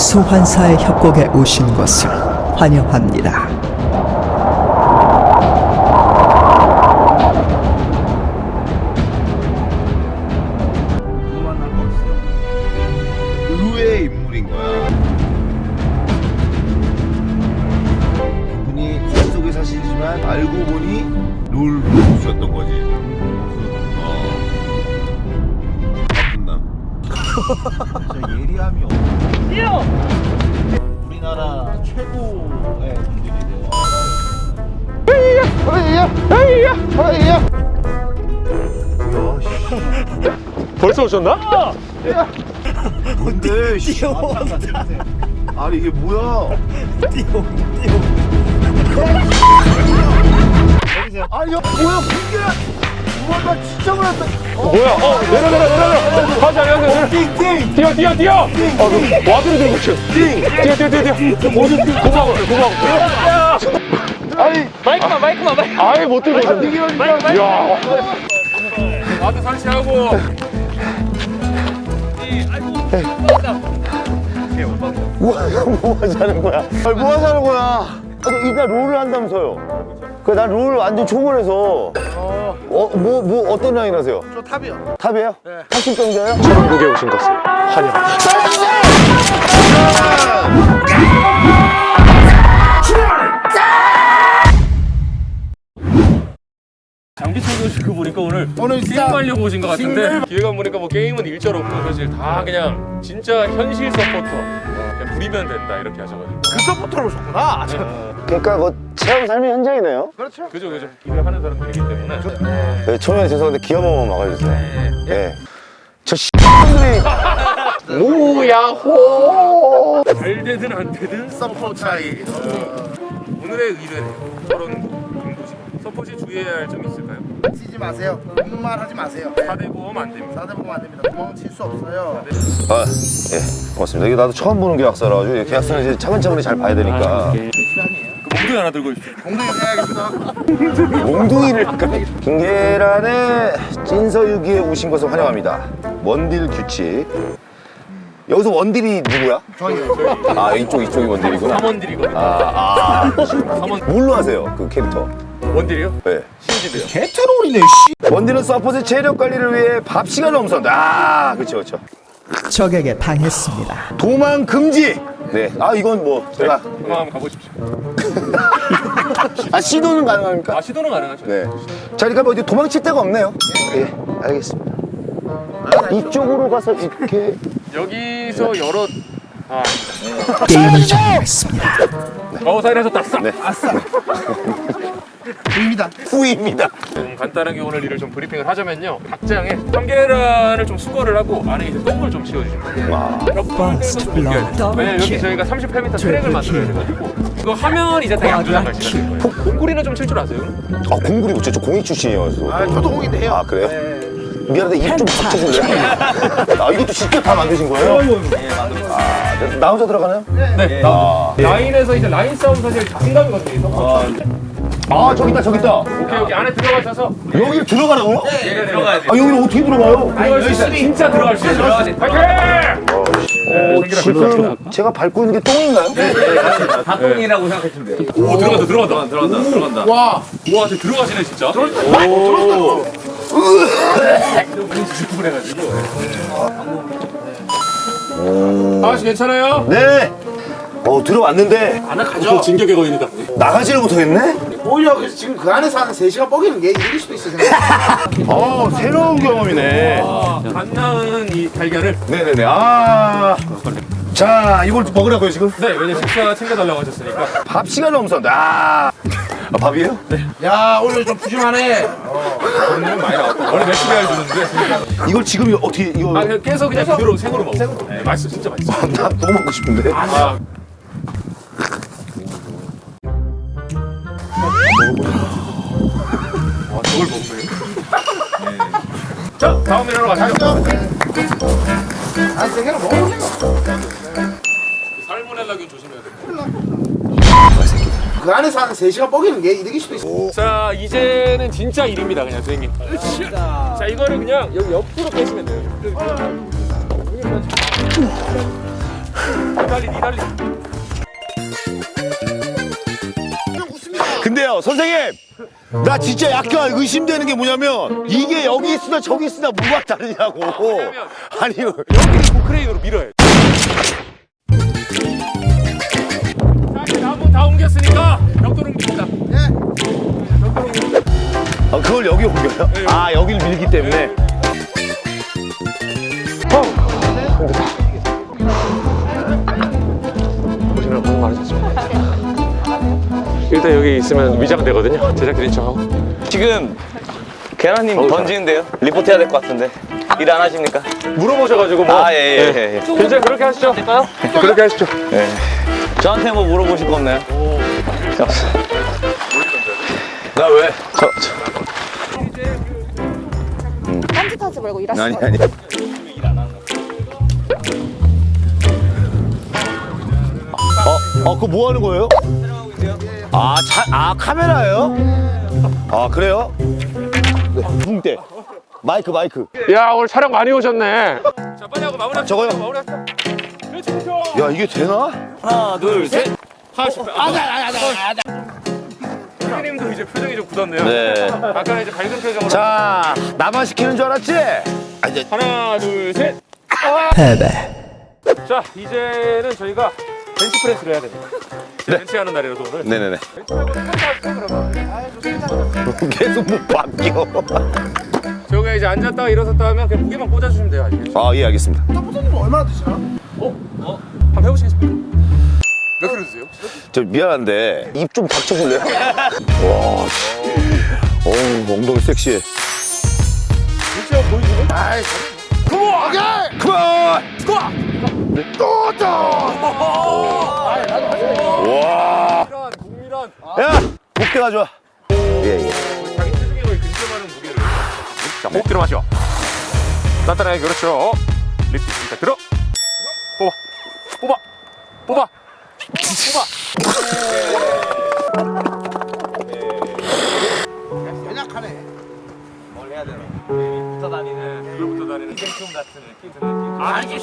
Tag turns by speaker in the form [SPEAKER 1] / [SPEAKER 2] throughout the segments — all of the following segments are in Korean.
[SPEAKER 1] 소환사의 협곡에 오신 것을 환영합니다.
[SPEAKER 2] 만날 거 없어. 의외의 인물인 거야. 그분이 산속에 사시지만 알고 보니 롤 선수였던 거지. 나쁜 남. 진짜 예리함이 없어. 우리나라 최고의 분들이래요.
[SPEAKER 3] 벌써 오셨나?
[SPEAKER 2] 뭔데? 씨. 아니 이게 뭐야? 아니 야 뭐야 분기야? 우와 나 진짜 그랬다.
[SPEAKER 3] 뭐야? 내려. 가자, 여기.
[SPEAKER 2] 띵띵.
[SPEAKER 3] 뛰어. 와드로 들고 있어. 뛰어. 고마워.
[SPEAKER 2] 아니
[SPEAKER 3] 마이크만. 아예 못 들고 있어. 이야. 와드 설치하고.
[SPEAKER 4] 뭐 하자는 거야? 아니, 뭐 하자는 거야? 아니, 이따 롤을 한다면서요? 난 롤 완전 초보라서. 뭐 어떤 라인 하세요?
[SPEAKER 2] 저 탑이요.
[SPEAKER 4] 탑이에요? 네. 80병자예요?
[SPEAKER 3] 전국에 오신 것을 환영합니다. 장비 챙겨주시고 보니까 오늘 게임하려고 오신 것 같은데 기획안 보니까 뭐 게임은 일절 없고 사실 다 그냥 진짜 현실 서포터 그냥 부리면 된다 이렇게 하셔가지고
[SPEAKER 2] 그 서포터로 오셨구나.
[SPEAKER 4] 그러니까 뭐 체험 삶의 현장이네요.
[SPEAKER 2] 그렇죠.
[SPEAKER 3] 그죠 일을 하는 사람들이기 때문에
[SPEAKER 4] 네, 처음에 죄송한데 귀 한 번만 막아주세요. 네. 저 X들이 뭐야호
[SPEAKER 3] 잘 되든 안 되든
[SPEAKER 2] 서포 차이.
[SPEAKER 3] 오늘의 의뢰는 그런 인도시 서포시 주의해야 할 점이 있을까요?
[SPEAKER 2] 치지 마세요. 아무 말 하지 마세요.
[SPEAKER 3] 4대 보험 안 됩니다.
[SPEAKER 2] 4대 보면 안 됩니다. 구멍 칠 수 없어요.
[SPEAKER 4] 아, 예, 고맙습니다. 이게 나도 처음 보는 계약서라가지고 이 계약서는 이제 차근차근히 잘 봐야 되니까.
[SPEAKER 3] 그 몽둥이 하나 들고 있어요.
[SPEAKER 2] 공동이 해야겠습니다.
[SPEAKER 4] 몽둥이를 김계란의 찐서유기에 오신 것을 환영합니다. 원딜 규칙. 여기서 원딜이 누구야?
[SPEAKER 2] 저희요.
[SPEAKER 4] 아 이쪽이 원딜이구나.
[SPEAKER 3] 3원딜이거든요.
[SPEAKER 4] 뭘로 하세요 그 캐릭터?
[SPEAKER 3] 원딜이요?
[SPEAKER 4] 네.
[SPEAKER 3] 신지드요.
[SPEAKER 2] 개트롤이네. 씨.
[SPEAKER 4] 원딜은 서포트 체력 관리를 위해 밥 시간을 엄선한다. 아 그렇죠.
[SPEAKER 1] 적에게 당했습니다.
[SPEAKER 4] 도망 금지. 네. 아 이건 뭐 제가
[SPEAKER 3] 한번 가보십시오.
[SPEAKER 4] 아 시도는 가능합니까?
[SPEAKER 3] 아 시도는 가능하죠.
[SPEAKER 4] 네. 자 그러니까 뭐 어디 도망칠 데가 없네요. 예, 알겠습니다. 이쪽으로 가서 이렇게.
[SPEAKER 3] 여기서 여러
[SPEAKER 1] 게임을 종료했습니다.
[SPEAKER 3] 사인하셨다.
[SPEAKER 4] 네.
[SPEAKER 2] 보입니다.
[SPEAKER 4] 후입니다.
[SPEAKER 3] 좀 간단하게 오늘 일을 좀 브리핑을 하자면요. 닭장에 참계란을 좀 수거를 하고 안에 이제 똥을 좀 치워주시면 돼요. 벽돌 떼서 좀 옮겨야 돼요. 왜냐면 여기 저희가 38m 트랙을 만들어야 돼가지고 이거 하면 이제 다 양조장 가시는 거예요. 공구리는 좀 칠 줄 아세요?
[SPEAKER 4] 아 공구리 못쳐. 저 공익 출신이어서.
[SPEAKER 2] 아 저도 공인데 해요.
[SPEAKER 4] 아 그래요?
[SPEAKER 2] 네.
[SPEAKER 4] 미안한데 입 좀 닥쳐줄래요? 아 이것도 직접 다 만드신 거예요? 네 만들었어요. 아, 나 혼자 들어가나요?
[SPEAKER 3] 네.
[SPEAKER 4] 아,
[SPEAKER 3] 라인에서 이제 라인 싸움 사실 자신감이거든요.
[SPEAKER 4] 아 저기 있다.
[SPEAKER 3] 오케이 여기 안에 들어가셔서
[SPEAKER 4] 여기 들어가라고요?
[SPEAKER 3] 네 들어가야 돼요.
[SPEAKER 4] 아 여기는 어떻게 들어가요?
[SPEAKER 3] 들어갈 수 있어요. 진짜 들어갈 수 있어요. 파이팅!
[SPEAKER 4] 지금 제가 밟고 있는 게 똥인가요?
[SPEAKER 5] 닭똥이라고 생각하시면 돼요.
[SPEAKER 3] 오 들어간다.
[SPEAKER 2] 와.
[SPEAKER 3] 우와 저 들어가시네 진짜. 아저씨 괜찮아요?
[SPEAKER 4] 네. 들어왔는데
[SPEAKER 3] 저 진격의 거인이다.
[SPEAKER 4] 나가지를 못하겠네?
[SPEAKER 2] 오히려 그래서 지금 그 안에서 한 3시간 뻐기는 게 이길 수도 있어요.
[SPEAKER 4] 새로운 경험이네.
[SPEAKER 3] 갓 낳은 이 달걀을
[SPEAKER 4] 네네네. 자 이걸 먹으라고요 지금?
[SPEAKER 3] 네 왜냐면 식사 챙겨달라고 하셨으니까.
[SPEAKER 4] 밥 시간 엄선다. 밥이에요? 네.
[SPEAKER 2] 야 오늘 좀 푸짐하네.
[SPEAKER 3] 오늘은 많이 나왔다. 원래 매출이 해주는데.
[SPEAKER 4] 이걸 지금 어떻게 이거?
[SPEAKER 3] 그냥 깨서 그냥 그대로 생으로 먹어. 네, 맛있어 진짜 맛있어.
[SPEAKER 4] 나 너무 먹고 싶은데.
[SPEAKER 3] 저걸 먹네. 자 다음 일하러 가시죠.
[SPEAKER 2] 한 3개는 먹어.
[SPEAKER 3] 살모넬라균 조심해야 돼.
[SPEAKER 2] 그 안에서 한 3시간 뻐기는 게 이길 수도 있어.
[SPEAKER 3] 자 이제는 진짜 일입니다 그냥 선생님. 자 이거를 그냥 여기 옆으로 빼시면 돼요. 니달리.
[SPEAKER 4] 근데요, 선생님! 나 진짜 약간 의심되는 게 뭐냐면, 이게 여기 있으나 저기 있으나 뭐가 다르냐고. 아니,
[SPEAKER 3] 여기 크레인으로 밀어야 돼. 자, 이제 나무 다 옮겼으니까 벽돌 옮깁니다.
[SPEAKER 4] 그걸 여기 옮겨요? 아, 여기를 밀기 때문에.
[SPEAKER 3] 보시느라 고생 많으셨습니다. 일단 여기 있으면 위장되거든요. 제작진인 척하고.
[SPEAKER 5] 지금 계란님 던지는데요? 리포트 해야 될 것 같은데. 일 안 하십니까?
[SPEAKER 3] 물어보셔가지고 뭐.
[SPEAKER 5] 아, 예.
[SPEAKER 3] 괜찮아요. 그렇게 하시죠. 될까요? 그렇게 하시죠.
[SPEAKER 5] 예. 저한테 뭐 물어보실 거 없나요?
[SPEAKER 3] 나 왜?
[SPEAKER 6] 딴짓하지 말고 일하시고.
[SPEAKER 4] 아니. 그거 뭐 하는 거예요? 카메라예요? 아, 그래요? 네, 붕대. 마이크.
[SPEAKER 3] 야, 오늘 촬영 많이 오셨네. 자, 빨리 하고 마무리합시다.
[SPEAKER 4] 저거요?
[SPEAKER 3] 마무리합시다.
[SPEAKER 4] 야, 이게 되나?
[SPEAKER 5] 하나, 둘, 셋.
[SPEAKER 3] 선생님도 이제 표정이 좀 굳었네요.
[SPEAKER 4] 네.
[SPEAKER 3] 아까는 이제 밝은 표정으로.
[SPEAKER 4] 자, 나만 시키는 줄 알았지?
[SPEAKER 3] 하나, 둘, 셋.
[SPEAKER 1] 패배.
[SPEAKER 3] 자, 이제는 저희가 벤치프레스를 해야 됩니다. 벤치하는 날이라서 오늘.
[SPEAKER 4] 네네네.
[SPEAKER 3] 벤치하고 그러면.
[SPEAKER 4] 계속 뭐 바뀌어.
[SPEAKER 3] 저기 이제 앉았다가 일어섰다 하면 그냥 무게만 꽂아주시면 돼요. 아시겠죠?
[SPEAKER 4] 아, 예, 알겠습니다.
[SPEAKER 3] 한번 해보시겠습니까? 몇 킬로 드세요?
[SPEAKER 4] 저 미안한데 입 좀 닥쳐줄래요? 와, 엉덩이 섹시해.
[SPEAKER 3] 진짜 보이시네? 아이,
[SPEAKER 4] 그만! 와,
[SPEAKER 3] 국미란.
[SPEAKER 4] 야, 목대 가져와. 예.
[SPEAKER 3] 자기 체중에 거의 근접하는 무게를. 자, 목 들어 마셔. 단단하게, 그렇죠. 리프트 일단 들어. 뽑아.
[SPEAKER 5] 붙어 다니는 이벤트 같은 느낌 드는 느낌.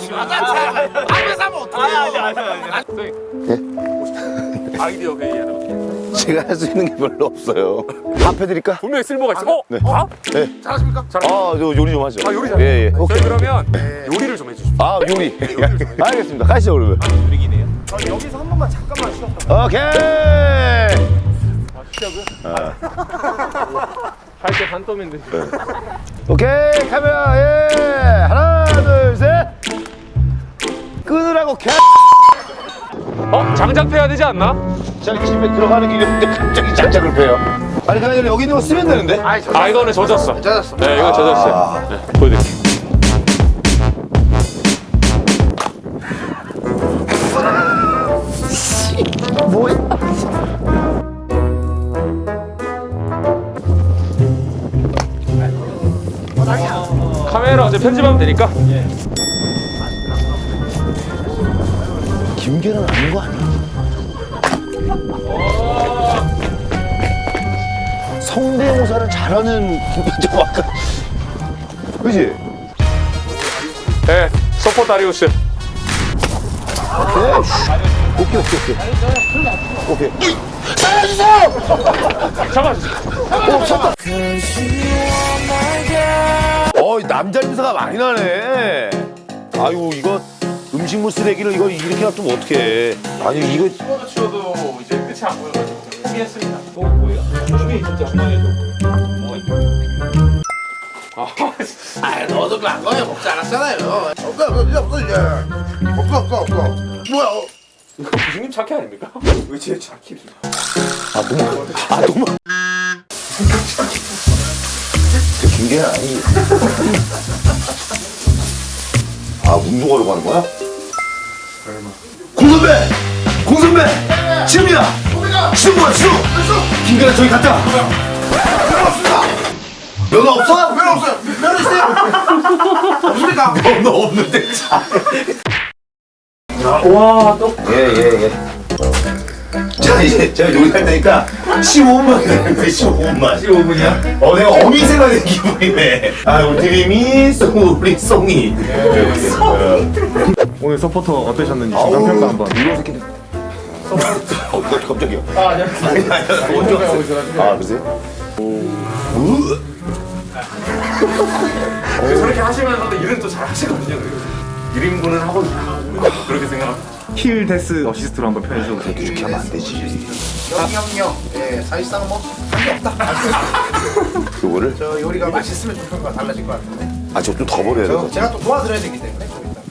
[SPEAKER 3] 아이디어 회의하는 거.
[SPEAKER 4] 제가 할 수 있는 게 별로 없어요. 밥 해드릴까?
[SPEAKER 3] 분명히 쓸모가 있어.
[SPEAKER 4] 네.
[SPEAKER 3] 밥?
[SPEAKER 4] 네.
[SPEAKER 3] 잘하십니까?
[SPEAKER 4] 저 요리 좀 하죠.
[SPEAKER 3] 요리 잘해요?
[SPEAKER 4] 예.
[SPEAKER 3] 저희 그러면 요리를 좀 해주십시오.
[SPEAKER 4] 아, 요리. 알겠습니다. 가시죠, 그러면.
[SPEAKER 3] 여기서 한 번만 잠깐만 쉬었다.
[SPEAKER 4] 오케이.
[SPEAKER 3] 시작은? 할때 반떠인데.
[SPEAKER 4] 오케이, 카메라, 예. 하나, 둘, 셋. 끊으라고,
[SPEAKER 3] 장작 패야 되지 않나?
[SPEAKER 4] 자기 집에 들어가는 길인데 갑자기 장작을 패요. 아니, 그냥 여기 있는 거 쓰면 되는데?
[SPEAKER 3] 아, 이거는 젖었어. 네, 이건 젖었어요. 네, 보여드릴게요.
[SPEAKER 4] 뭐야?
[SPEAKER 3] 카메라 어제 편집하면 되니까.
[SPEAKER 4] 김계란 아닌 거 아니야? 성대모사를 잘하는 좀 아까 그지?
[SPEAKER 3] 네, 서포 다리우스.
[SPEAKER 4] 오케이.
[SPEAKER 3] 잡아주세요.
[SPEAKER 4] 남자 냄새가 많이 나네. 아이고, 이거 음식물 쓰레기를 이거 이렇게 놔두면 어떡해. 아니, 이거
[SPEAKER 3] 치워도 이제 끝이 안 보여가지고 포기했습니다. 뭐예요? 이게 진짜 엉망이죠.
[SPEAKER 2] 너도 그안 거야 먹지 않았잖아요. 없어 이제. 없어. 뭐야?
[SPEAKER 3] 이거 부장님 차키 아닙니까? 의지의 차키입니다.
[SPEAKER 4] 너무. 김계란 아니. 운동하려고 하는 거야? 공선배! 지금이야! 지금 뭐야, 지금! 김계란 저기 갔다! 면허 없어?
[SPEAKER 2] 왜 없어요? 면허 있어요? 없습니까?
[SPEAKER 4] 면허 없는데.
[SPEAKER 3] 와, 또.
[SPEAKER 4] 예. 자, 이제 제가 요리할 테니까 15분만 기다려요. 15분이야? 내가 어미새가 된 기분이네. 우리 드림이, 우리 송이.
[SPEAKER 7] 오늘 서포터 어떠셨는지 중간 평가 한번.
[SPEAKER 4] 이런 새끼들. 갑자기요? 아니, 먼저 갔어요. 아, 그러세요?
[SPEAKER 3] 저렇게 하시면서도 일은 또 잘 하시거든요. 1인분은 하고 그렇게 생각합니다.
[SPEAKER 7] 힐 데스 어시스트로 한번 표현해 주세요.
[SPEAKER 4] 이렇게 하면 안 되지.
[SPEAKER 2] 영영영. 예, 사실상 뭐 한게 없다.
[SPEAKER 4] 그거를?
[SPEAKER 2] 저 요리가 맛있으면 좀 평가가 달라질 것 같은데.
[SPEAKER 4] 아, 저 좀 더 버려야 될 것 같아.
[SPEAKER 2] 제가 또 도와드려야 되기 때문에 좀 이따.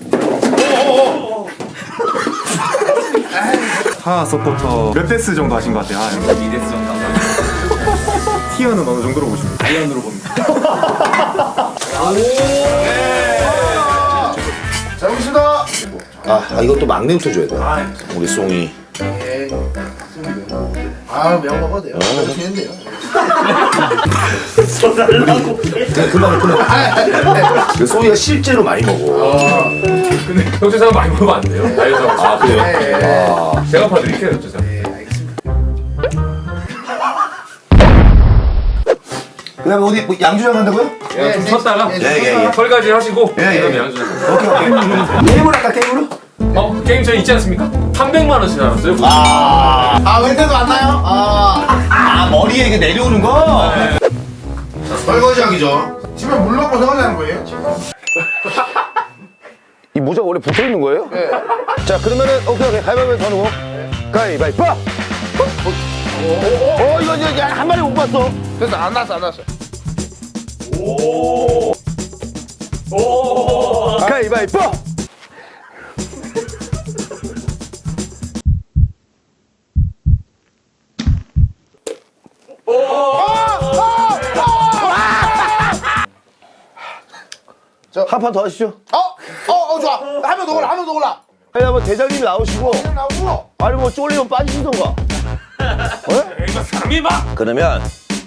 [SPEAKER 7] 하 서포터 몇 데스 정도 하신 것 같아요? 2데스 정도. 티어는 어느 정도로 보십니까? 아이언으로 봅니다.
[SPEAKER 2] 잘 먹겠습니다.
[SPEAKER 4] 아, 이것도 막내부터 줘야 돼. 우리 송이.
[SPEAKER 2] 예. 아, 매운 거 먹어도 돼요. 되는데요.
[SPEAKER 4] 금방 끊어. 송이가 실제로 많이 먹어.
[SPEAKER 3] 근데 경제상 많이 먹으면 안 돼요. 다이어트 하고.
[SPEAKER 4] 아, 그래요?
[SPEAKER 2] 예.
[SPEAKER 3] 제가 봐드릴게요, 경제상.
[SPEAKER 2] 예, 알겠습니다.
[SPEAKER 4] 그 다음에 어디 뭐 양주장 한다고요?
[SPEAKER 3] 좀 쉬었다가
[SPEAKER 4] 예.
[SPEAKER 3] 설거지 하시고
[SPEAKER 4] 예.
[SPEAKER 3] 그다음에 양주장.
[SPEAKER 4] 오케이. 게임을 할까, 게임으로?
[SPEAKER 3] 게임 저희 있지 않습니까? 300만 원씩 나눴어요.
[SPEAKER 2] 아, 멘트도 안 나요?
[SPEAKER 4] 아, 머리에 이게 내려오는 거?
[SPEAKER 2] 설거지하기죠. 집에 물 넣고 설거지하는 거예요?
[SPEAKER 4] 이 모자가 원래 붙어 있는 거예요?
[SPEAKER 2] 네.
[SPEAKER 4] 자, 그러면은, 오케이. 가위바위보 더 누고. 가위바위보! 이거 한 마리 못 봤어.
[SPEAKER 2] 그래서 안 났어.
[SPEAKER 4] 가위바위보! 한 판 더 하시죠.
[SPEAKER 2] 좋아. 하면 더 골라.
[SPEAKER 4] 아니, 한번 대장님 나오시고,
[SPEAKER 2] 나오고.
[SPEAKER 4] 아니, 뭐 쫄리면 빠지시던가.
[SPEAKER 3] 이거 3위마.
[SPEAKER 4] 그러면,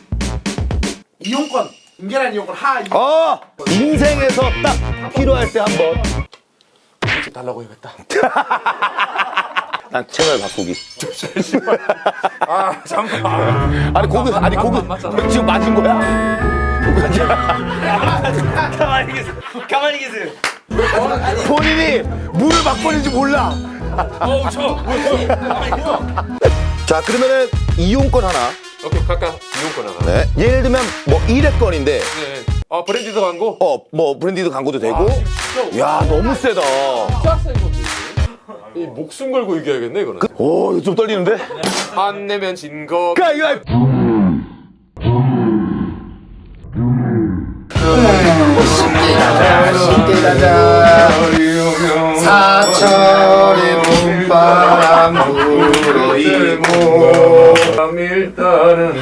[SPEAKER 2] 이용권. 인계란 이용권 하.
[SPEAKER 4] 인생에서 딱 필요할 때 한 번.
[SPEAKER 3] 달라고 해야겠다.
[SPEAKER 4] 난 채널 바꾸기.
[SPEAKER 3] 잠깐.
[SPEAKER 4] 아니, 고기
[SPEAKER 3] 맞잖아.
[SPEAKER 4] 지금 맞은 거야?
[SPEAKER 5] 가만히 계세요.
[SPEAKER 4] 본인이 물을 바꾸는지 몰라. 자, 그러면은 이용권 하나.
[SPEAKER 3] 오케이, 각각 이용권 하나.
[SPEAKER 4] 네. 예를 들면 뭐 1회권인데
[SPEAKER 3] 네. 브랜디드 광고.
[SPEAKER 4] 뭐 브랜디드 광고도 되고. 야, 너무 세다.
[SPEAKER 3] 이 목숨 걸고 이겨야겠네 이거는.
[SPEAKER 4] 오, 이거 좀 떨리는데?
[SPEAKER 3] 안 내면 진 거.
[SPEAKER 4] 가위바위보.
[SPEAKER 2] 쉽게 가자. 사철의 봄바람 불어일고.
[SPEAKER 3] 일단은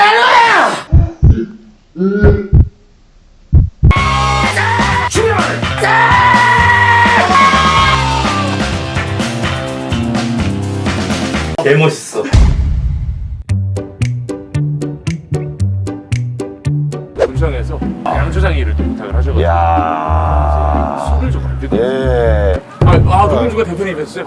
[SPEAKER 5] 개멋있어.
[SPEAKER 3] 본청에서 양조장 일을 좀 부탁을 하셔가지고
[SPEAKER 4] 야.
[SPEAKER 3] 술을 좀 만들고.
[SPEAKER 4] 예.
[SPEAKER 3] 노민주가 대표님 했어요.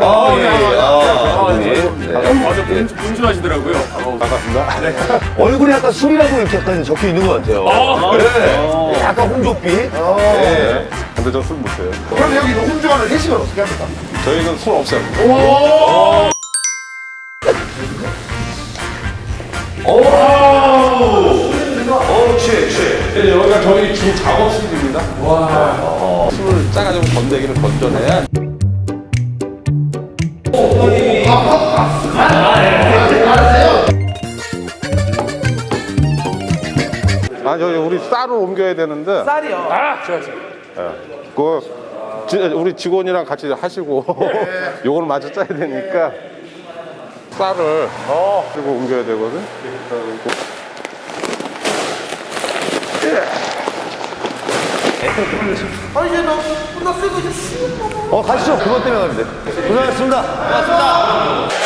[SPEAKER 3] 맞아, 분주하시더라고요.
[SPEAKER 4] 반갑습니다. 얼굴에 약간 술이라고 이렇게 약간 적혀 있는 것 같아요. 네. 약간 홍조빛. 네.
[SPEAKER 7] 근데 저 술 못해요.
[SPEAKER 2] 그럼 여기 홍주관을 회식을 어떻게 합니까?
[SPEAKER 7] 저희는 술 없어요. 여기가 저희 주 작업실입니다. 술을 짜가지고 건더기를 건져내야. 저희 우리 쌀을 옮겨야 되는데. 쌀이요? 우리 직원이랑 같이 하시고 요걸 마저 짜야 되니까 쌀을 그리고 옮겨야 되거든.
[SPEAKER 4] 가시죠. 그것 때문에 가는데. 고생하셨습니다.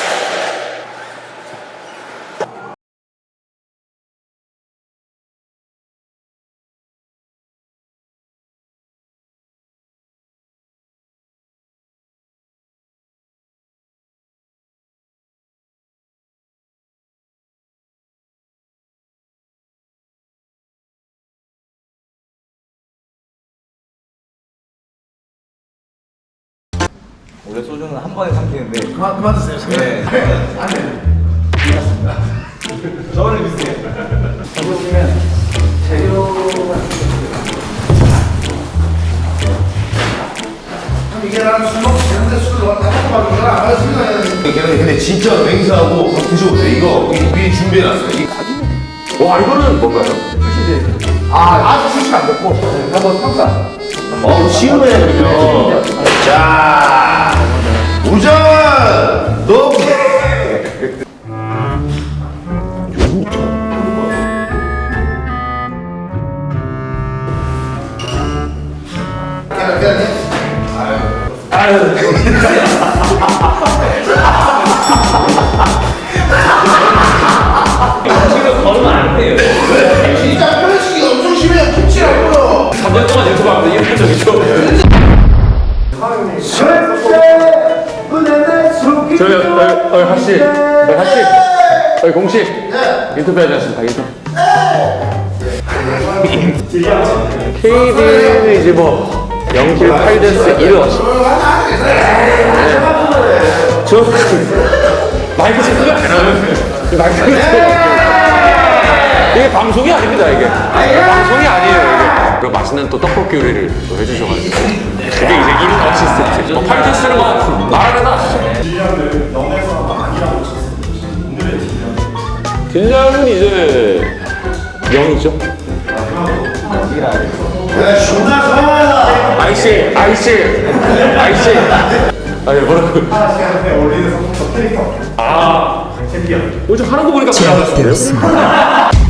[SPEAKER 5] 원래 소주는 한 번에 삼키는데.
[SPEAKER 2] 그만 드세요.
[SPEAKER 5] 네. 저는 비슷해요. 보시면 재료가
[SPEAKER 2] 이게 나는 술 먹고 되는데 술을 다 먹고 이걸 안 마시면
[SPEAKER 4] 근데 진짜 맹세하고 한번 드셔보세요. 이거 미리 준비해놨어요.
[SPEAKER 3] 와 이거는 뭔가요?
[SPEAKER 2] 아주 출시 안 됐고 한번 평가.
[SPEAKER 4] 쉬우네, 그러면. 자, 우정은 너.
[SPEAKER 5] 지금 걸으면 안 돼요.
[SPEAKER 2] 진짜 편식이 엄청 심해요. 김치라고요.
[SPEAKER 3] 3년 동안 유튜브하면서 이런 적이죠. 저희 하씨, 공씨 인터뷰 하지 않습니까? 인터뷰. KB는 이제 뭐 영길 8데스 1호. 저 마이크 체크가 안 나요. 마이크 체크. 이게 방송이 아닙니다. 이게 방송이 아니에요. 이게 그 맛있는 또 떡볶이 요리를 또 해주셔가지고 그게 이제 1인 어시스트. 뭐 8데스는 뭐 말하는 하시죠. 딜량은 이제 0이죠. 아이씨. 아니 뭐라고? 요즘 하는 거 보니까
[SPEAKER 1] 제압되었습니다.